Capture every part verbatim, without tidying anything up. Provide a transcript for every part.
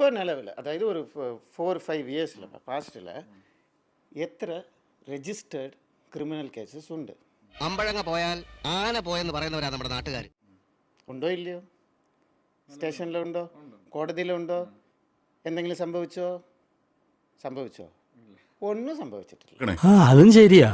ഇപ്പോൾ നിലവിൽ അതായത് ഒരു ഫോർ ഫൈവ് ഇയേഴ്സിൽ പാസ്റ്റിൽ എത്ര രജിസ്റ്റേർഡ് ക്രിമിനൽ കേസസ് ഉണ്ട്? അമ്പഴങ്ങ പോയാൽ ആന പോയെന്ന് പറയുന്നവരാ നമ്മുടെ നാട്ടുകാർ. ഉണ്ടോ ഇല്ലയോ? സ്റ്റേഷനിലുണ്ടോ? കോടതിയിലുണ്ടോ? എന്തെങ്കിലും സംഭവിച്ചോ? സംഭവിച്ചോ? ഒന്നും സംഭവിച്ചിട്ടില്ല. അതും ശരിയാ.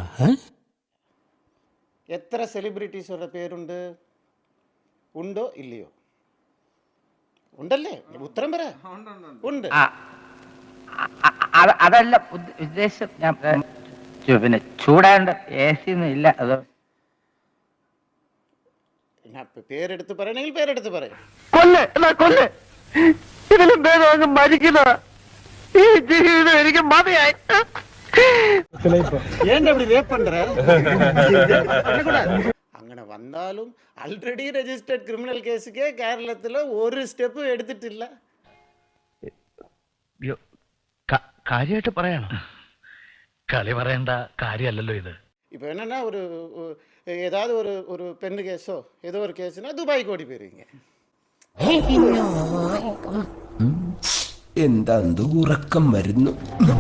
എത്ര സെലിബ്രിറ്റീസുകളുടെ പേരുണ്ട്? ഉണ്ടോ ഇല്ലയോ? ഉണ്ടല്ലേ? ഉത്തരം പറ. ഉണ്ട്. അതല്ല ഉദ്ദേശം. ഞാൻ പിന്നെ ചൂടാണ്ട് എ സി ഒന്നും ഇല്ല. അത് പേരെടുത്ത് പറയണെങ്കിൽ പേരെടുത്ത് പറയും. കൊല്ല് കൊല്ല് ഇതിലും ഭേദം മരിക്കുന്ന ഈ ജീവിതം എനിക്ക് മതിയായി. അങ്ങനെ വന്നാലും ആൾറെഡി രജിസ്റ്റേർഡ് ക്രിമിനൽ കേസുക്ക് കേരളത്തില് ഒരു സ്റ്റെപ്പ് എടുത്തിട്ടില്ല. കാര്യമായിട്ട് പറയണം, കളി പറയേണ്ട കാര്യമല്ലല്ലോ ഇത്. இப்போ என்னன்னா ஒரு ஏதாவது ஒரு ஒரு பெண்ணு கேஸோ ஏதோ ஒரு கேஸ்னா துபாய்க்கு ஓடி போயிருவீங்க. എന്താ ഉറക്കം വരുന്നു?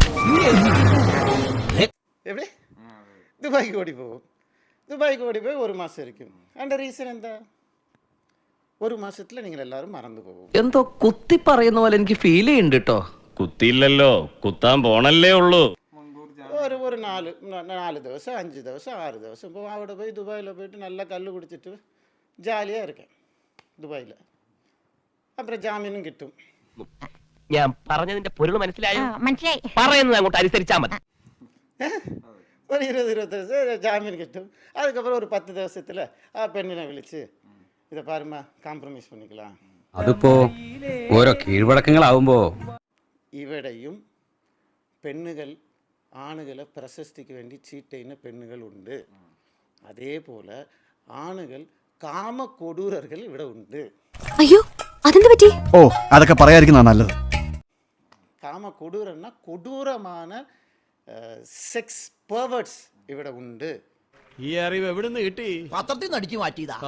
எப்படி துபாய்க்கு ஓடி போவோம். துபாய்க்கு ஓடி போய் ஒரு மாதம் இருக்கும். அந்த ரீசன் എന്താ? ഒരു മാസത്തിൽ നിങ്ങൾ എല്ലാവരും മറന്നു പോകും. എന്തോ കുത്തി പറയുന്ന പോലെ എനിക്ക് ഫീൽ ചെയ്യുന്നുണ്ട് കേട്ടോ. കുത്തിയില്ലല്ലോ, കുത്താൻ പോണല്ലേ ഉള്ളൂ. ഒരു ഒരു നാല് നാല് ദിവസം അഞ്ച് ദിവസം ആറ് ദിവസം ഇപ്പോൾ അവിടെ പോയി ദുബായിൽ പോയിട്ട് നല്ല കല്ല് കുടിച്ചിട്ട് ജാലിயாக இருக்கேன் ദുബായിൽ. അപ്പുറം ജാമ്യനും കിട്ടും. ഞാൻ പറഞ്ഞതിന്റെ പൊരുൾ മനസ്സിലായോ? മനസ്സിലായി. പറയുന്നത് അങ്ങോട്ട് അനുസരിച്ചാൽ മതി. ഒരു ഇരുപത് ഇരുപത്തി ദിവസം ജാമ്യം കിട്ടും. അതുക്കப்புறம் ഒരു പത്ത് ദിവസത്തിൽ ആ പെണ്ണിനെ വിളിച്ച് ഇதை பாருமா காம்ப்ரமைஸ் பண்ணிக்கலாம். അതിപ്പോ ഓരോ കീഴ്വഴക്കങ്ങളാവുമ്പോ ഇവിടെയും പെണ്ണുകൾ ആണുകളെ പ്രശസ്തിക്ക് വേണ്ടി ചീറ്റ് ചെയ്യുന്ന പെണ്ണുകളുണ്ട്. അതേപോലെ ആണുകൾ കാമകൊടൂരர்கள் ഇവിടെ ഉണ്ട്. അയ്യോ അതെന്ത് പറ്റി? ഓ അതൊക്കെ പറയാതിരിക്കുന്നതാ നല്ലത്. കാമകൊടൂരന്ന കൊടൂരமான സെക്സ് പെർവേർട്സ് ഇവിടെ ഉണ്ട്. ഈ അറിവ് എവിടുന്ന് കിട്ടി? പത്രത്തിൽ നിന്ന് അടിച്ചു മാറ്റിയതാ.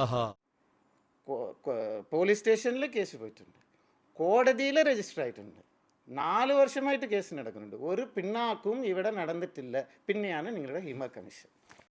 പോലീസ് സ്റ്റേഷനിൽ കേസ് പോയിട്ടുണ്ട്, കോടതിയിൽ രജിസ്റ്റർ ആയിട്ടുണ്ട്, നാല് വർഷമായിട്ട് കേസ് നടക്കുന്നുണ്ട്. ഒരു പിന്നാക്കും ഇവിടെ നടന്നിട്ടില്ല. പിന്നെയാണ് നിങ്ങളുടെ ഹിമ കമ്മീഷൻ.